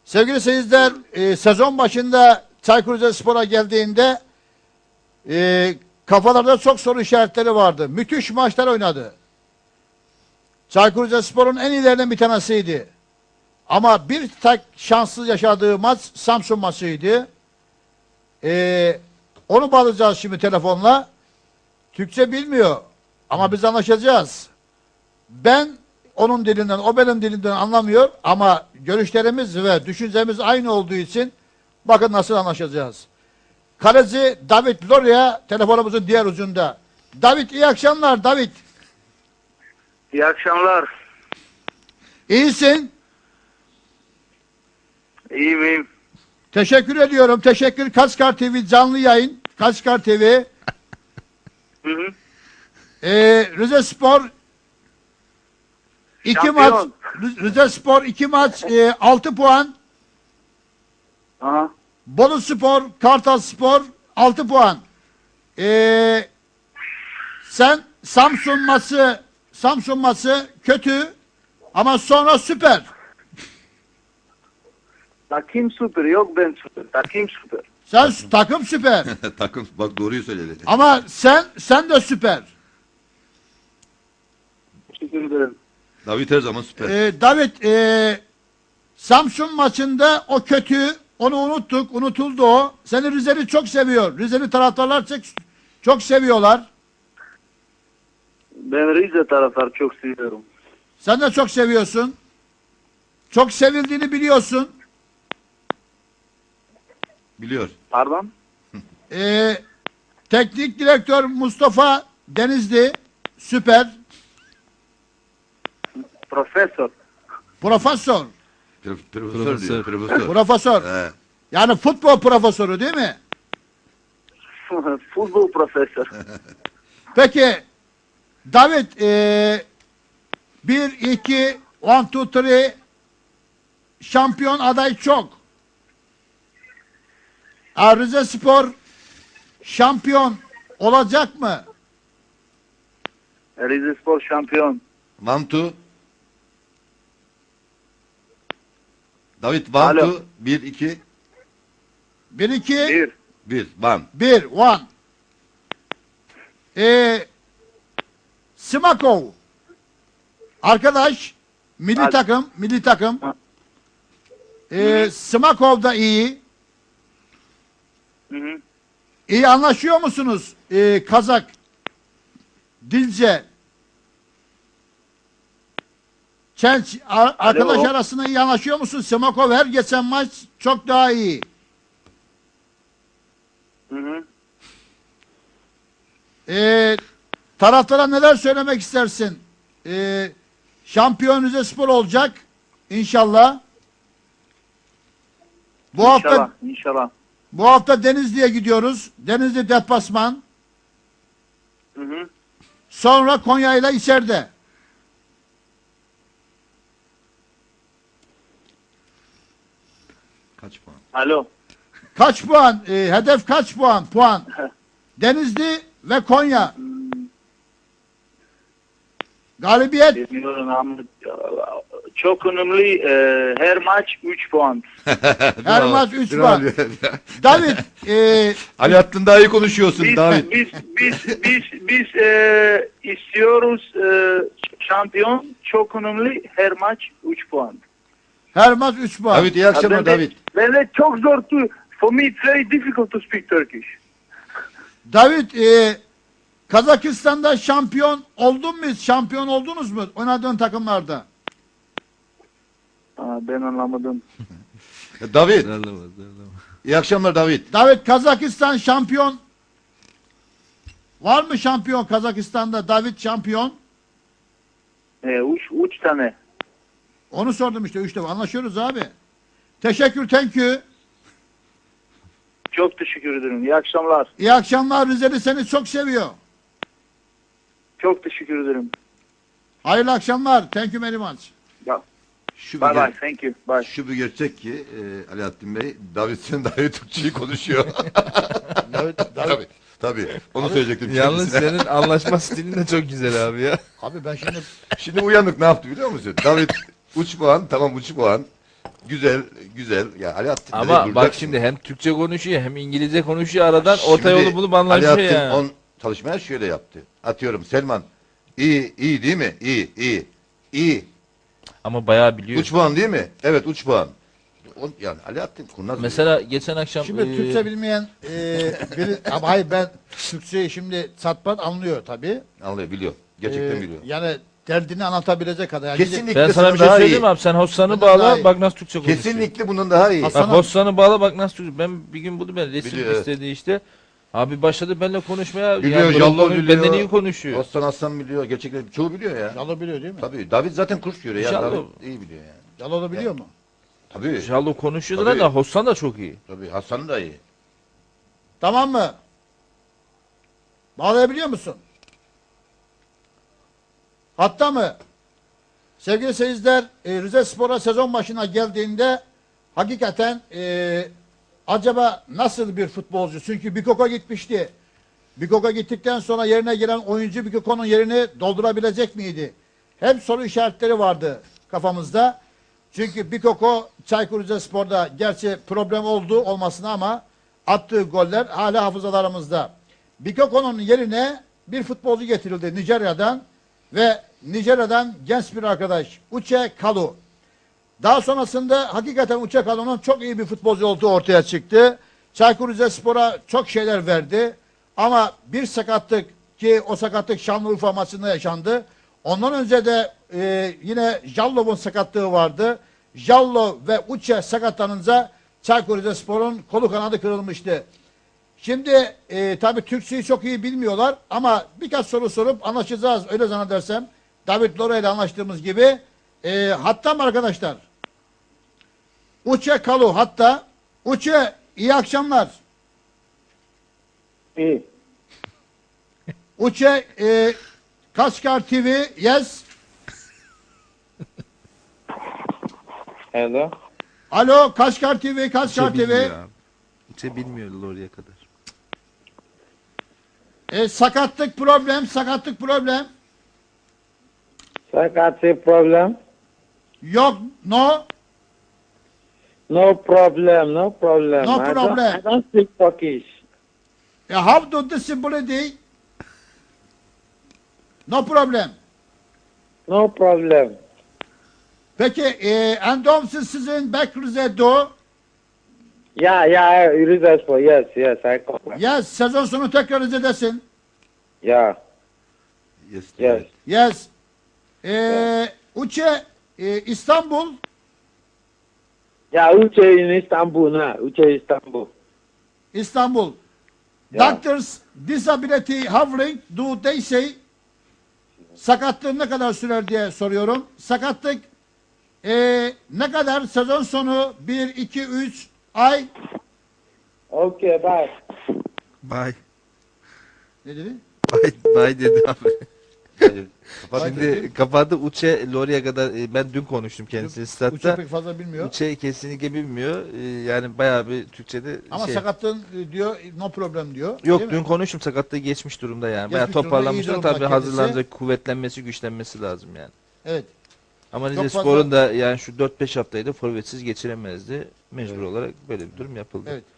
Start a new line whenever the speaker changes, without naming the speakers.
Sevgili seyirciler, sezon başında Çaykur Rizespor'a geldiğinde kafalarda çok soru işaretleri vardı. Müthiş maçlar oynadı. Çaykur Rizespor'un en iyilerinden bir tanesiydi. Ama bir tek şanssız yaşadığı maç Samsun maçıydı. Onu bağlayacağız şimdi telefonla. Türkçe bilmiyor ama biz anlaşacağız. Ben onun dilinden, o benim dilimden anlamıyor ama görüşlerimiz ve düşüncemiz aynı olduğu için bakın nasıl anlaşacağız. Kaleci David Loria telefonumuzun diğer ucunda. David, iyi akşamlar David.
İyi akşamlar.
İyisin.
İyi miyim?
Teşekkür ediyorum. Teşekkür. Kaçkar TV canlı yayın. Kaçkar TV.
Hı hı.
Rizespor 2
Şampiyon.
maç. Rizespor 2 maç 6 puan.
Aha.
Boluspor, Kartalspor 6 puan. Sen Samsun maçı kötü ama sonra süper.
Takım süper. Yok ben süper. Takım süper.
Sen takım süper.
Takım bak doğruyu söyledi.
Ama sen de süper.
Teşekkür ederim.
David her zaman süper.
David, Samsun maçında o kötü, onu unuttuk, unutuldu o. Seni Rizeli çok seviyor. Rizeli taraftarlar çok seviyorlar.
Ben Rize taraftarı çok seviyorum.
Sen de çok seviyorsun. Çok sevildiğini biliyorsun.
Biliyor.
Pardon?
Teknik direktör Mustafa Denizli süper.
Profesör.
Profesör.
Profesör diyor. Profesör.
Profesör.
He.
Yani futbol profesörü değil mi?
Futbol profesör.
Peki David, 1, 2, 1, 2, 3 şampiyon aday çok. Rizespor şampiyon olacak mı?
Rizespor şampiyon.
Mantu. David
Alo.
Mantu 1 2
1, 2,
1.
1 Van.
1, 1. Simakov. Arkadaş, milli
Hadi.
takım. Simakov da iyi.
Hı hı.
İyi anlaşıyor musunuz? Kazak, Dilce, Çenç arkadaş
Alo.
arasında iyi anlaşıyor musun? Simakov her geçen maç çok daha iyi.
Hı hı.
Taraftara neler söylemek istersin? Şampiyon Rizespor olacak inşallah.
İnşallah.
Bu hafta Denizli'ye gidiyoruz. Denizli deplasman.
Hı hı.
Sonra Konya ile içeride.
Kaç puan?
Alo.
Kaç puan? Hedef kaç puan? Puan. Denizli ve Konya. Galibiyet.
Bilmiyorum ama çok önemli. Her maç 3 puan.
Her maç 3 puan. David,
Ali Hattın daha iyi konuşuyorsun
Biz
David.
biz istiyoruz şampiyon çok önemli. Her maç 3 puan.
her maç 3 puan.
David iyi akşamlar David.
Ben de çok zor for me it's very difficult to speak Turkish.
David, Kazakistan'da şampiyon oldun mu? Şampiyon oldunuz mu? Oynadığın takımlarda.
Ben anlamadım.
David. İyi akşamlar David.
David, Kazakistan şampiyon var mı şampiyon Kazakistan'da? David şampiyon.
3 tane.
Onu sordum işte 3 defa. Anlaşıyoruz abi. Teşekkür, thank you.
Çok teşekkür ederim. İyi akşamlar.
İyi akşamlar. Rizeli seni çok seviyor.
Çok teşekkür ederim.
Hayırlı akşamlar. Thank you very much.
Şu
Bye
bir,
bye. Thank you. Bye.
şu bir gerçek ki Ali Hattın Bey, David sen daha iyi Türkçeyi konuşuyor. Tabii. Onu söyleyecektim.
Yalnız
kendisine.
senin anlaşma stilin de çok güzel abi ya.
Abi ben şimdi
Şimdi uyanık ne yaptı biliyor musun? David 3 puan, tamam 3 puan. Güzel, güzel. Ya Alaaddin de
Ama bak
duracaksın.
şimdi hem Türkçe konuşuyor hem İngilizce konuşuyor aradan
Şimdi
orta yolu bulup anlaşıyor
Alaaddin
yani.
on çalışmaya şöyle yaptı. Atıyorum Selman. İyi değil mi? İyi.
Ama bayağı biliyor.
Uç puan değil mi? Evet uç puan. Yani Alaaddin kurnaz.
Mesela geçen akşam
Şimdi Türkçe bilmeyen biri, ama hayır ben Türkçeyi şimdi satpat anlıyor tabii.
anlıyor, biliyor. Gerçekten biliyor.
Yani derdini anlatabilecek kadar. Yani
Kesinlikle
ben sana bir şey
daha
söyleyeyim
iyi.
abi, sen Hossan'ı
Bundan daha
bağla
iyi.
bak nasıl Türkçe konuşuyor.
Kesinlikle bunun daha iyi.
Hasan-
Bak Hossan'ı bağla bak nasıl Türkçe. Ben bir gün buldum, ben resim
Biliyor, evet.
istedi işte. Abi başladı benimle konuşmaya.
Biliyor,
yani
Jallo
Jallo
biliyor.
benden iyi konuşuyor.
Aslan biliyor. Gerçekten çoğu biliyor ya.
Yalo biliyor değil mi?
Tabii. David zaten kurs görüyor ya.
İnşallah.
David iyi biliyor yani.
Yalo da biliyor mu?
Tabii.
Jallo konuşuyordu
Tabii.
da Hossan da çok iyi.
Tabii. Hasan da iyi.
Tamam mı? Bağlayabiliyor musun? Hatta mı? Sevgili seyirciler, Rize Spor'a sezon başına geldiğinde hakikaten acaba nasıl bir futbolcu? Çünkü Bikoko gitmişti. Bikoko gittikten sonra yerine giren oyuncu Bikoko'nun yerini doldurabilecek miydi? Hep soru işaretleri vardı kafamızda. Çünkü Bikoko Çaykur Rizespor'da gerçi problem oldu olmasına ama attığı goller hala hafızalarımızda. Bikoko'nun yerine bir futbolcu getirildi Nijerya'dan ve Nijerya'dan genç bir arkadaş Uche Kalu. Daha sonrasında hakikaten Uche Kalu'nun çok iyi bir futbolcu olduğu ortaya çıktı. Çaykur Rizespor'a çok şeyler verdi. Ama bir sakatlık, ki o sakatlık Şanlıurfa maçında yaşandı. Ondan önce de yine Jallo'nun sakatlığı vardı. Jallo ve Uche sakatlanınca Çaykur Rizespor'un kolu kanadı kırılmıştı. Şimdi tabii Türkçeyi çok iyi bilmiyorlar ama birkaç soru sorup anlaşacağız öyle zannedersem. David Lora ile anlaştığımız gibi. Hatta mı arkadaşlar? Uche Kalu hatta. Uche iyi akşamlar.
İyi.
Uche Kaşgar TV yes.
Hello.
Alo Kaşgar TV Kaşgar TV.
Uçe bilmiyor oraya kadar.
Sakatlık problem sakatlık problem.
Sakatlık problem?
Yok no.
No problem, no problem.
No problem.
I don't speak Turkish.
How to disability? No problem.
No problem.
Peki endomsiz sizin back Rize'de.
Yeah, Rizespor. Yes, I come.
Yes sezon sonu tekrar Rize'desin.
Yeah, yes.
Yes. Uche İstanbul.
Yeah, Uche in Istanbul now. Uche Istanbul.
İstanbul.
Yeah.
Doctors disability having do they say? Sakatlığın ne kadar sürer diye soruyorum. Sakatlık ne kadar sezon sonu 1, 2, 3 ay?
Okay, bye.
Bye.
Ne dedi?
Bye dedi abi.
Kapat.
Şimdi kapadı Uçe Lori'ye kadar ben dün konuştum kendisiyle
Uche
statta.
pek fazla bilmiyor.
Uçe kesinlikle bilmiyor. Yani bayağı bir Türkçe'de
Ama
şey.
sakatlığın diyor no problem diyor.
Yok
değil
dün
mi?
konuştum, sakatlığı geçmiş durumda yani. Bayağı
Geçmiş durumda,
toparlanmış
iyi
ama
durumda
tabii
kendisi.
hazırlanacak, kuvvetlenmesi, güçlenmesi lazım yani.
Evet.
Ama
Çok
Rizespor'un da yani şu 4-5 haftayı da forvetsiz geçiremezdi. Mecbur olarak böyle bir durum yapıldı.
Evet.